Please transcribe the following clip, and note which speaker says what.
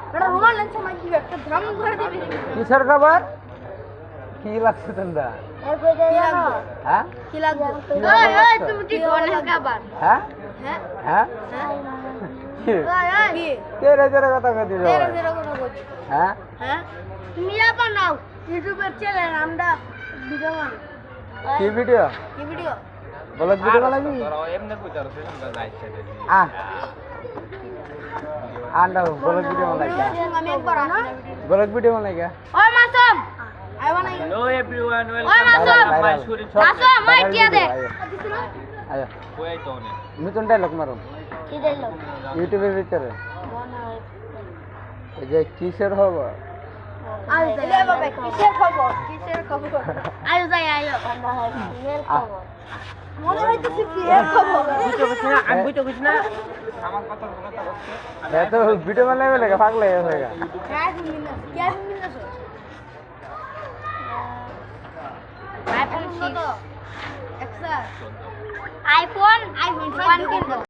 Speaker 1: এটা রুমাল লেন্স মাই কি একটা ধাম করে দিবি
Speaker 2: কিসের খবর কি লাগছে তোমরা হ্যাঁ
Speaker 1: কি লাগবে
Speaker 2: কি লাগবে?
Speaker 1: এই তুমি কি ধরনের খাবার
Speaker 2: হ্যাঁ
Speaker 1: হ্যাঁ
Speaker 2: হ্যাঁ কি?
Speaker 1: কি
Speaker 2: তেরে তেরে কথা কই দিছো
Speaker 1: তেরে তেরে কোনো বলছি
Speaker 2: হ্যাঁ
Speaker 1: হ্যাঁ তুমি আপা নাও ইউটিউবের চ্যানেল আমরা ভিডিও বানাই
Speaker 2: কি ভিডিও
Speaker 1: কি ভিডিও
Speaker 2: ব্লগ ভিডিও বানাবি আ আন্ডা ব্লগ ভিডিও বানাই
Speaker 1: আমি একবার আসি
Speaker 2: ব্লগ ভিডিও বানাই কে
Speaker 1: ওই মাসুম আই বানাই
Speaker 3: Hello everyone,
Speaker 1: ওই
Speaker 3: welcome
Speaker 1: Masum
Speaker 3: to my shooting shop.
Speaker 1: Masum মই কি দে
Speaker 2: আয়
Speaker 3: Where are you?
Speaker 2: নতুন ডায়লগ মারো
Speaker 1: কি দিলো
Speaker 2: ইউটিউবের ভিতরে এই যে কিসের খবর
Speaker 1: আয় যাই বাবা কিসের খবর কিসের খবর আয় যাই আয় মনে হইতেছে বিয়ের খবর
Speaker 3: আমি বুঝতে পারছি না
Speaker 2: এত ভিডিও বানাইবে লাগে পাগল হয়ে গেছে গা
Speaker 1: क्या मिलना सो आईफोन 6 एक्सा आईफोन 1 किन दो